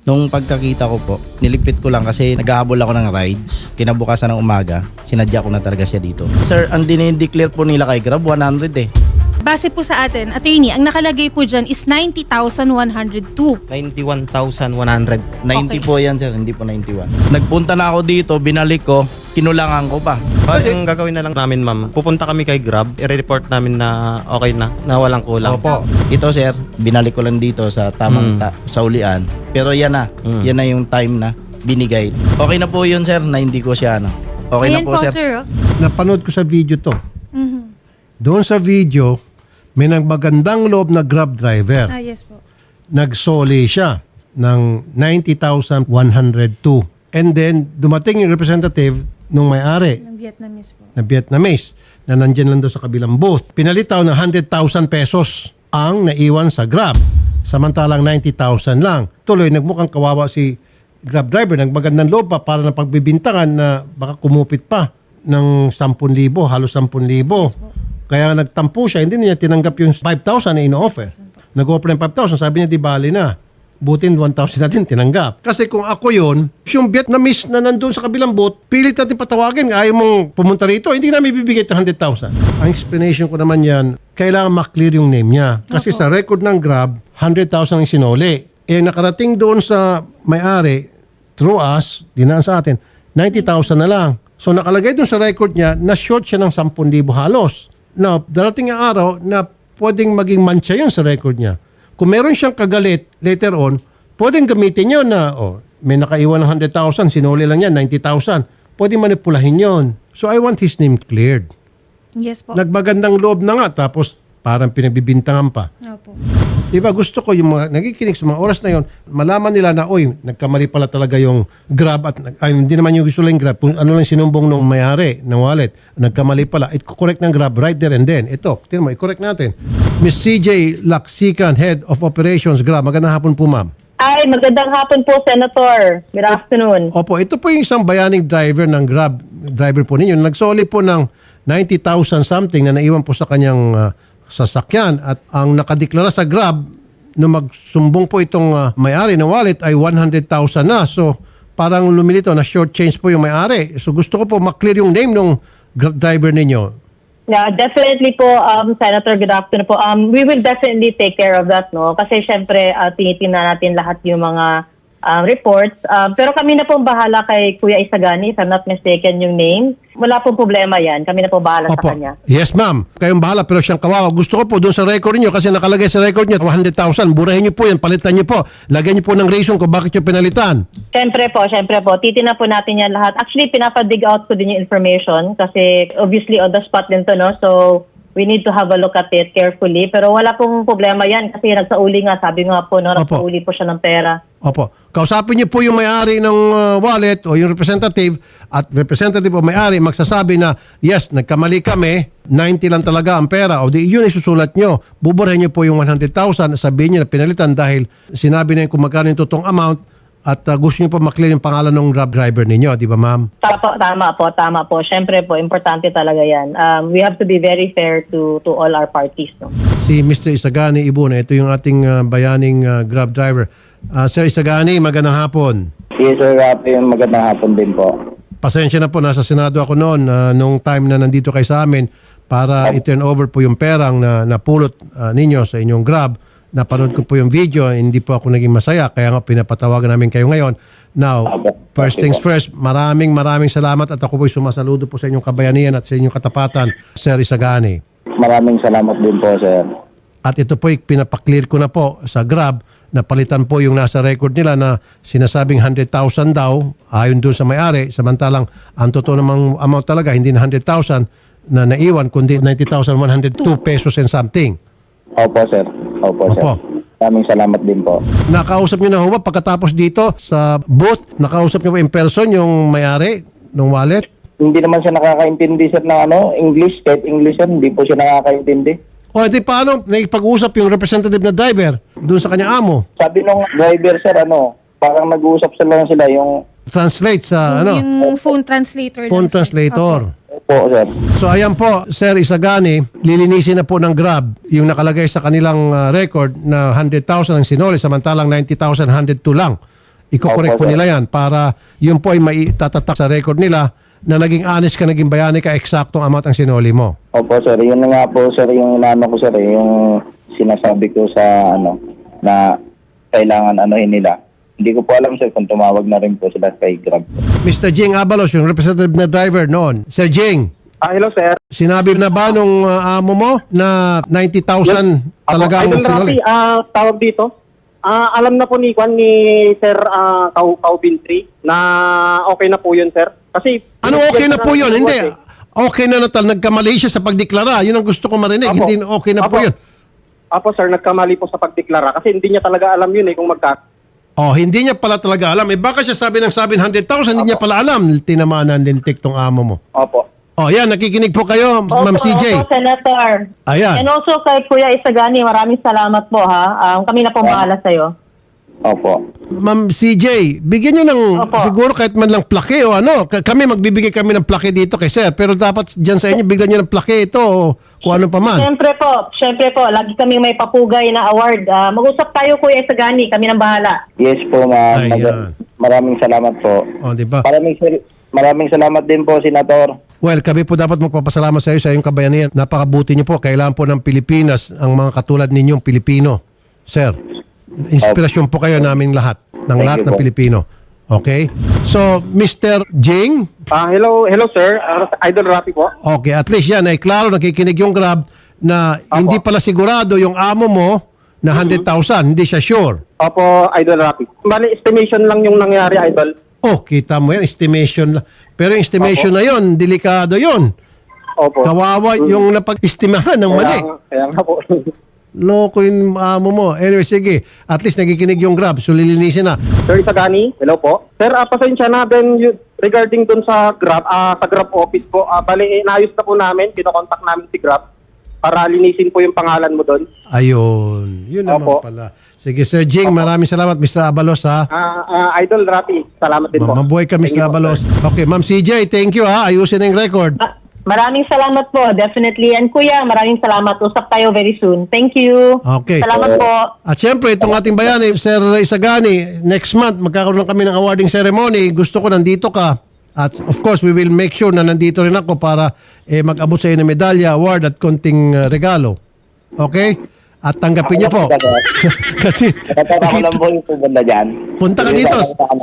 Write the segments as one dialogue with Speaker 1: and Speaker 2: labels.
Speaker 1: Nung pagkakita ko po, niligpit ko lang kasi naghahabol ako ng rides. Kinabukasan ng umaga, sinadya ko na talaga siya dito. Sir, ang dinideclare po nila kay Grab, 100 eh.
Speaker 2: Base po sa atin, attorney, ang nakalagay po dyan is 90,102.
Speaker 3: 91,100.
Speaker 1: 90 po yan sir, hindi po 91. Nagpunta na ako dito, binalik ko, kinulangan ko pa.
Speaker 3: Kasi ang gagawin na lang namin, ma'am, pupunta kami kay Grab, i-report namin na okay na walang kulang.
Speaker 1: Opo. Ito sir, binalik ko lang dito sa tamang sa ulian. Pero yan na yung time na binigay. Okay na po yun sir, na hindi ko siya Okay
Speaker 2: Ayan
Speaker 1: na po sir.
Speaker 2: Oh.
Speaker 4: Napanood ko sa video to.
Speaker 2: Mhm.
Speaker 4: Doon sa video, may magandang loob na Grab driver.
Speaker 2: Yes po.
Speaker 4: Nagsoli siya ng 90,102. And then, dumating yung representative nung may-ari
Speaker 2: Ng Vietnamese po.
Speaker 4: na Vietnamese na nandyan lang doon sa kabilang booth. Pinalitaw na 100,000 pesos ang naiwan sa Grab. Samantalang 90,000 lang. Tuloy, nagmukhang kawawa si Grab driver. Nagmagandang loob pa para na pagbibintangan na baka kumupit pa ng 10,000, halos 10,000. Kaya nagtampo siya, hindi niya tinanggap yung 5,000 na ino-offer. Nag-offer ng 5,000, sabi niya di bali na. Butin 1,000 natin tinanggap. Kasi kung ako yun, yung Vietnamese na nandun sa kabilang booth, pilit natin patawagin. Ayaw mong pumunta rito, hindi namin bibigay ito 100,000. Ang explanation ko naman yan, kailangan maklear yung name niya. Kasi sa record ng Grab, 100,000 ang sinuli. Nakarating doon sa may-ari, through us, dinaan sa atin, 90,000 na lang. So nakalagay doon sa record niya, na short siya ng 10,000 halos. Now, darating ang araw na pwedeng maging mancha yun sa record niya. Kung meron siyang kagalit later on, pwedeng gamitin yun na, may nakaiwan ng 100,000, sinuli lang yan, 90,000. Pwedeng manipulahin yun. So I want his name cleared.
Speaker 2: Yes po.
Speaker 4: Nagbagandang loob na nga, tapos parang pinagbibintangan pa.
Speaker 2: Opo.
Speaker 4: Diba gusto ko yung mga nakikinig sa mga oras na yon, malaman nila na, nagkamali pala talaga yung Grab at hindi naman yung gusto lang Grab, kung ano lang sinumbong nung may-ari ng wallet, nagkamali pala, i-correct ng Grab right there and then. Ito, tinan mo, i-correct natin. Ms. CJ Laksikan, Head of Operations Grab. Magandang hapon po, ma'am.
Speaker 5: Ay, magandang hapon po, Senator. Good afternoon.
Speaker 4: Opo, ito po yung isang bayaning driver ng Grab, driver po ninyo. Nagsoli po ng 90,000 something na naiwan po sa kanyang sasakyan at ang nakadeklara sa Grab nung magsumbong po itong may-ari ng wallet ay 100,000 na. So parang lumilito na short change po yung may-ari. So gusto ko po maklear yung name ng driver ninyo.
Speaker 5: Yeah, definitely po, Senator, good afternoon po. We will definitely take care of that, no? Kasi syempre, tinitingnan natin lahat yung mga reports. Pero kami na pong bahala kay Kuya Isagani, if I'm not mistaken yung name. Wala pong problema yan. Kami na po bahala sa kanya.
Speaker 4: Yes, ma'am. Kayong bahala pero siyang kawawa. Gusto ko po doon sa record niyo kasi nakalagay sa record niyo 100,000. Burahin niyo po yan. Palitan niyo po. Lagyan niyo po ng reason kung bakit niyo pinalitan.
Speaker 5: Syempre po. Titignan po natin yan lahat. Actually, pinapadig out ko din yung information kasi obviously on the spot din to, no? So, we need to have a look at it carefully. Pero wala pong problema yan kasi nagsauli nga. Sabi nga po, no, nagsauli po siya ng pera.
Speaker 4: Opo. Kausapin niyo po yung may-ari ng wallet o yung representative at representative o may-ari magsasabi na yes, nagkamali kami, 90 lang talaga ang pera o di yun isusulat niyo. Buburahin niyo po yung 100,000 sabihin niyo na pinalitan dahil sinabi na yung kung magkano yung totoong amount at gusto niyo po maklear yung pangalan ng Grab driver ninyo, di ba ma'am?
Speaker 5: Tama po. Siyempre po, importante talaga yan. We have to be very fair to all our parties, no?
Speaker 4: Si Mr. Isagani Ibuna, ito yung ating bayaning Grab driver. Sir Isagani, magandang hapon.
Speaker 6: Yes, sir. Magandang hapon din po.
Speaker 4: Pasensya na po, nasa Senado ako noon nung time na nandito kayo sa amin para i-turn over po yung perang na napulot ninyo sa inyong Grab. Napanood ko po yung video, hindi po ako naging masaya, kaya nga pinapatawagan namin kayo ngayon. Now, first things first, maraming salamat at ako po'y sumasaludo po sa inyong kabayanihan at sa inyong katapatan, Sir Isagani.
Speaker 6: Maraming salamat din po, sir.
Speaker 4: At ito po'y pinapaklear ko na po sa Grab na palitan po yung nasa record nila na sinasabing 100,000 daw ayon doon sa may-ari, samantalang ang totoo namang amount talaga hindi na 100,000 na naiwan kundi 90,102 pesos and something.
Speaker 6: Opo, sir. Opo, sir. Maraming salamat din po.
Speaker 4: Nakausap niyo na ho ba pagkatapos dito sa booth? Nakausap niyo ba in person yung may-ari ng wallet?
Speaker 6: Hindi naman siya nakakaintindi, sir, ng English. Kahit English, sir, hindi po siya nakakaintindi.
Speaker 4: O di paano nakipag-usap yung representative na driver doon sa kanyang amo?
Speaker 6: Sabi nung driver, sir, parang nag-uusap sila yung
Speaker 4: Translate sa
Speaker 2: Yung phone translator.
Speaker 4: phone translator.
Speaker 6: po, sir.
Speaker 4: So ayan po, Sir Isagani, lilinisin na po ng Grab yung nakalagay sa kanilang record na 100,000 ang sinuli samantalang 90,102 lang. Iko-correct po
Speaker 6: Opo, sir.
Speaker 4: nila yan para yun po ay maitatatak sa record nila na naging honest ka, naging bayani ka, eksaktong amount ang sinuli mo.
Speaker 6: Opo, sir. Yun na nga po, sir, yung inaano ko, sir, yung sinasabi ko sa, na kailangan anuhin nila. Hindi ko po alam, sir, kung tumawag na rin po sila kay Grab.
Speaker 4: Mr. Jing Abalos, yung representative na driver noon. Sir Jing,
Speaker 7: Hello, sir.
Speaker 4: sinabi na ba nung amo mo na 90,000 talagang
Speaker 7: Idol
Speaker 4: sinuli?
Speaker 7: Rafi, tawag dito. Alam na po ni Sir Kau Bintri na okay na po yun, sir. Kasi
Speaker 4: Ano okay na po yun? Hindi. Okay na nagkamali siya sa pagdeklara. Yun ang gusto ko marinig.
Speaker 7: Apo.
Speaker 4: Hindi okay na po
Speaker 7: Apo.
Speaker 4: yun.
Speaker 7: Apo, sir, nagkamali po sa pagdeklara kasi hindi niya talaga alam yun kung
Speaker 4: Oh, hindi niya pala talaga alam. Baka siya sabi ng 100,000, hindi niya pala alam. Tinamaan ng lintik tong amo mo.
Speaker 6: Opo.
Speaker 4: Oh, yan. Nakikinig po kayo, Ma'am CJ.
Speaker 5: Opo, Senator.
Speaker 4: Ayan.
Speaker 5: And also kay Kuya Isagani, maraming salamat po ha. Kami na po bahala sa'yo.
Speaker 6: Opo.
Speaker 4: Ma'am CJ, bigyan niyo ng
Speaker 5: Opo.
Speaker 4: siguro kahit man lang plake o ano. Kami magbibigay kami ng plake dito kay sir. Pero dapat dyan sa inyo, bigyan niyo ng plake ito o kung ano pa man.
Speaker 5: Siyempre po, lagi kami may papugay na award. Mag-usap tayo Kuya Isagani, kami nang bahala.
Speaker 6: Yes po, ma'am.
Speaker 4: Ayan.
Speaker 6: Maraming salamat po.
Speaker 4: O, di ba?
Speaker 6: Maraming salamat din po, Senator.
Speaker 4: Well, kami po dapat magpapasalamat sa iyo sa iyong kabayanihan. Napakabuti niyo po. Kailangan po ng Pilipinas ang mga katulad ninyong Pilipino. Sir, inspirasyon po kayo naming lahat. Ng
Speaker 6: Thank
Speaker 4: lahat
Speaker 6: you
Speaker 4: ng
Speaker 6: po.
Speaker 4: Pilipino. Okay? So, Mr. Jing,
Speaker 7: hello, sir. Idol Rafi po.
Speaker 4: okay, at least yan ay klaro, nakikinig yung Grab na hindi pala sigurado yung amo mo na 100,000. Hindi siya sure.
Speaker 7: Opo, Idol Rafi. Bali, estimation lang yung nangyari, Idol.
Speaker 4: Oh, kita mo yan, estimation lang. Pero yung estimation na yon, delikado yon.
Speaker 7: Opo.
Speaker 4: Kawawa yung napag-estimahan ng mali.
Speaker 7: Kaya nga po.
Speaker 4: Loko yung amo mo. Anyway, sige. At least nakikinig yung Grab. So, lilinisin na.
Speaker 7: Sir Isagani, hello po. Sir, pasensya na din regarding dun sa Grab, sa Grab office po. Bali, naayos na po namin, kinokontak namin si Grab para linisin po yung pangalan mo dun.
Speaker 4: Ayun. Yun naman
Speaker 7: Opo.
Speaker 4: pala. Sige, Sir Jing. Maraming salamat, Mr. Abalos, ha?
Speaker 7: Idol Rafi, salamat din po.
Speaker 4: Mabuhay ka,
Speaker 7: Thank
Speaker 4: Mr.
Speaker 7: you po,
Speaker 4: Abalos.
Speaker 7: sir.
Speaker 4: Okay, Ma'am CJ, thank you, ha? Ayusin na yung record.
Speaker 5: Maraming salamat po, definitely. And Kuya, maraming salamat. Usap tayo very soon. Thank you.
Speaker 4: Okay.
Speaker 5: Salamat po.
Speaker 4: At syempre, itong ating bayani, Sir Isagani, next month, magkakaroon kami ng awarding ceremony. Gusto ko nandito ka. At of course, we will make sure na nandito rin ako para mag-abot sa iyo ng medalya, award at konting regalo. Okay? At tanggapin niyo po. Kasi,
Speaker 6: Natatawa ko lang po yung pupunta dyan.
Speaker 4: punta ka dito.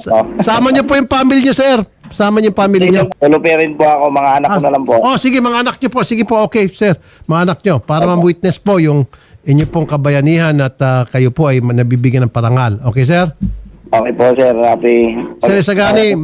Speaker 4: Sama niyo po yung family niyo, sir. Sama niyo yung family niyo.
Speaker 6: Tulupirin po ako, mga anak ko na lang po.
Speaker 4: Oh, sige, mga anak niyo po. Sige po, okay, sir. Mga anak niyo. Para ma-witness po yung inyo pong kabayanihan at kayo po ay nabibigyan ng parangal. Okay, sir?
Speaker 6: Okay po, Sir Rafi.
Speaker 4: Sir Isagani,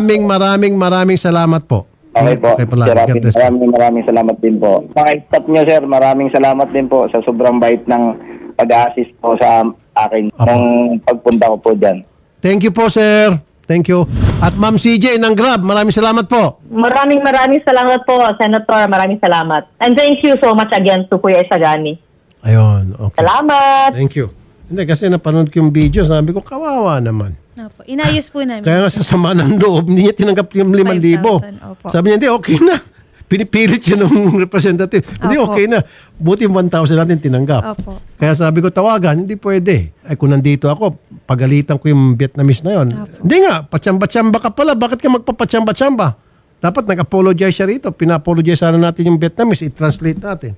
Speaker 4: maraming salamat po.
Speaker 6: Okay po.
Speaker 4: Okay pala.
Speaker 6: Sir Rafi,
Speaker 4: God bless.
Speaker 6: maraming salamat din po. Mga staff nyo, sir, maraming salamat din po sa sobrang bait ng pag-assist po sa akin nung pagpunta ko po dyan.
Speaker 4: Thank you po, sir. Thank you. At Ma'am CJ ng Grab, maraming salamat po.
Speaker 5: Maraming salamat po, Senator. Maraming salamat. And thank you so much again to Kuya Isagani.
Speaker 4: Ayun, okay.
Speaker 5: Salamat.
Speaker 4: Thank you. Hindi, kasi napanood ko yung video, sabi ko, kawawa naman.
Speaker 2: Opo. Inayos po namin.
Speaker 4: Kaya nga sa sama ng loob, hindi niya tinanggap yung 5,000.
Speaker 2: 5,000, opo.
Speaker 4: Sabi niya, hindi, okay na. Pinipilit siya ng representative. Hindi,
Speaker 2: Opo.
Speaker 4: okay na. Buti 1,000 natin tinanggap.
Speaker 2: Opo.
Speaker 4: Kaya sabi ko, tawagan, hindi pwede. Ay, kung nandito ako, pagalitan ko yung Vietnamese na yon. Hindi nga, patsamba-tsamba ka pala. Bakit ka magpapatsamba-tsamba? Dapat nag-apologize siya rito. Pina-apologize sana natin yung Vietnamese. I-translate natin.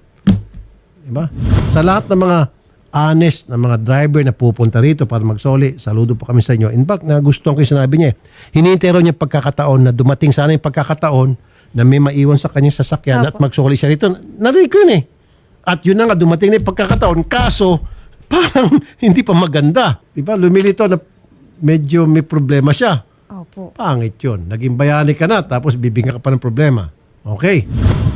Speaker 4: Diba? Sa lahat ng mga honest na mga driver na pupunta rito para magsoli, saludo po kami sa inyo. In fact, nagustuhan ko yung sinabi niya. Hinihintay raw niya pagkakataon na dumating sana yung pagkakataon na may maiwan sa kanyang sasakyan at
Speaker 2: Opo.
Speaker 4: magsoli siya rito. Narinig ko yun eh. At yun na nga, dumating na yung pagkakataon. Kaso, parang hindi pa maganda. Diba? Lumilito na medyo may problema siya.
Speaker 2: Opo.
Speaker 4: Pangit yun. Naging bayani ka na tapos bibigyan ka pa ng problema. Okay.